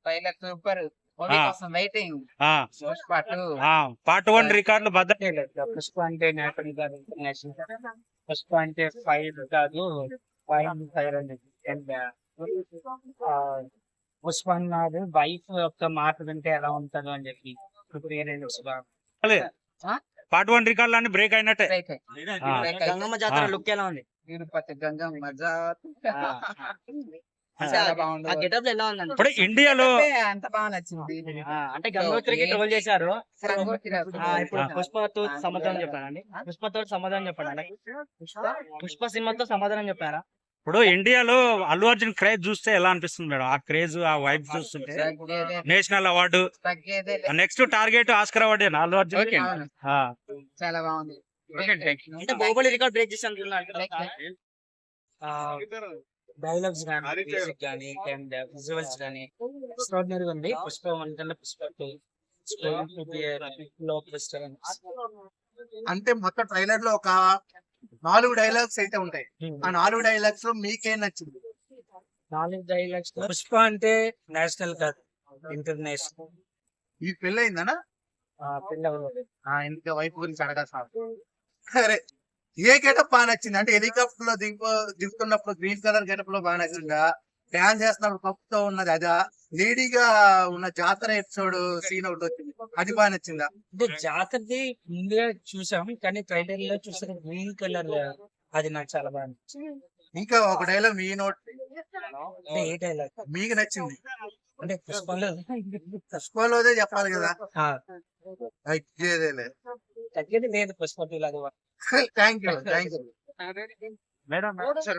Trailer super. Movie ఆ. కోసం waiting. ఆ, పుష్ప 2. ఆ, పార్ట్ 1 రికార్డులు బద్దలు. పుష్ప అంటే నేషనల్ కాదు, ఇంటర్నేషనల్. పుష్ప అంటే ఫైర్ కాదు, ఫైర్ అనేది. And, పుష్ప అన్నారు వైఫ్ యొక్క మాట వింటే ఎలా ఉంటుందో అని చెప్పి పార్ట్ 1 రికార్డులు అన్ని బ్రేక్ అయినట్టే. ఆ. గంగమ్మ జాతర ఆ. లుక్ ఎలా ఉంది? తిరుపతి గంగమ్మ జాతర. అంటే చాలా ఆ బాగుంది. గెటప్ లో ఎలా ఉందండి? ఇప్పుడు ఇండియాలో అంత బాగా నచ్చింది. అంటే గంగోత్రికి ట్రోల్ చేశారు. గంగోత్రి ఇప్పుడు పుష్పతో సమాధానం చెప్పారండి. పుష్పతో సమాధానం చెప్పండి. పుష్ప సినిమాతో సమాధానం చెప్పారా? ఇప్పుడు ఇండియాలో అల్లు అర్జున్ క్రేజ్ చూస్తే ఎలా అనిపిస్తుంది మేడం? ఆ క్రేజ్, ఆ వైబ్ చూస్తుంటే నేషనల్ అవార్డు, తగ్గేదే next target Oscar award Allu Arjun. అవును. చాలా బాగుంది. అంటే బాహుబలి రికార్డ్ బ్రేక్ చేసి అంటున్నారు. డైలాగ్స్ కానీ, మ్యూజిక్ కానీ, అండ్ విజువల్స్ కానీ ఎక్స్ట్రాడినరీగా ఉంది. పుష్ప 1 కన్నా పుష్ప 2 అంటే మొత్తం ట్రైలర్ లో ఒక 4 డైలాగ్స్ అయితే ఉంటాయి. ఆ 4 డైలాగ్స్ లో మీకేం నచ్చింది? 4 డైలాగ్స్. పుష్ప అంటే నేషనల్ కాదు, ఇంటర్నేషనల్. ఈ పెళ్ళి అయిందనా? ఇంకా వైఫ్ గురించి అడగాల్సిన సరే. ఏ గెటప్ బాగా నచ్చింది? అంటే హెలికాప్టర్ లో దిగుతున్నప్పుడు గ్రీన్ కలర్ గెటప్ లో బాగా నచ్చిందా? డాన్స్ చేస్తున్నప్పుడు కప్పుతో ఉన్నది అదా? లేడీగా ఉన్న జాతర ఎపిసోడ్ సీన్ ఒకటి వచ్చింది, అది బాగా నచ్చిందా? అంటే జాతరది ముందుగా చూసాం, కానీ ట్రైలర్ లో చూసిన గ్రీన్ కలర్ అది నాకు చాలా బాగా నచ్చింది. ఇంకా ఒక డైలాగ్ మీ నోట్ అంటే ఏ డైలాగ్ మీకు నచ్చింది? అంటే పుష్పంలో పుష్పలోదే చెప్పాలి కదా. తగ్గేది లేదు. పుష్ప 2 లాగా. Thank you. మేడం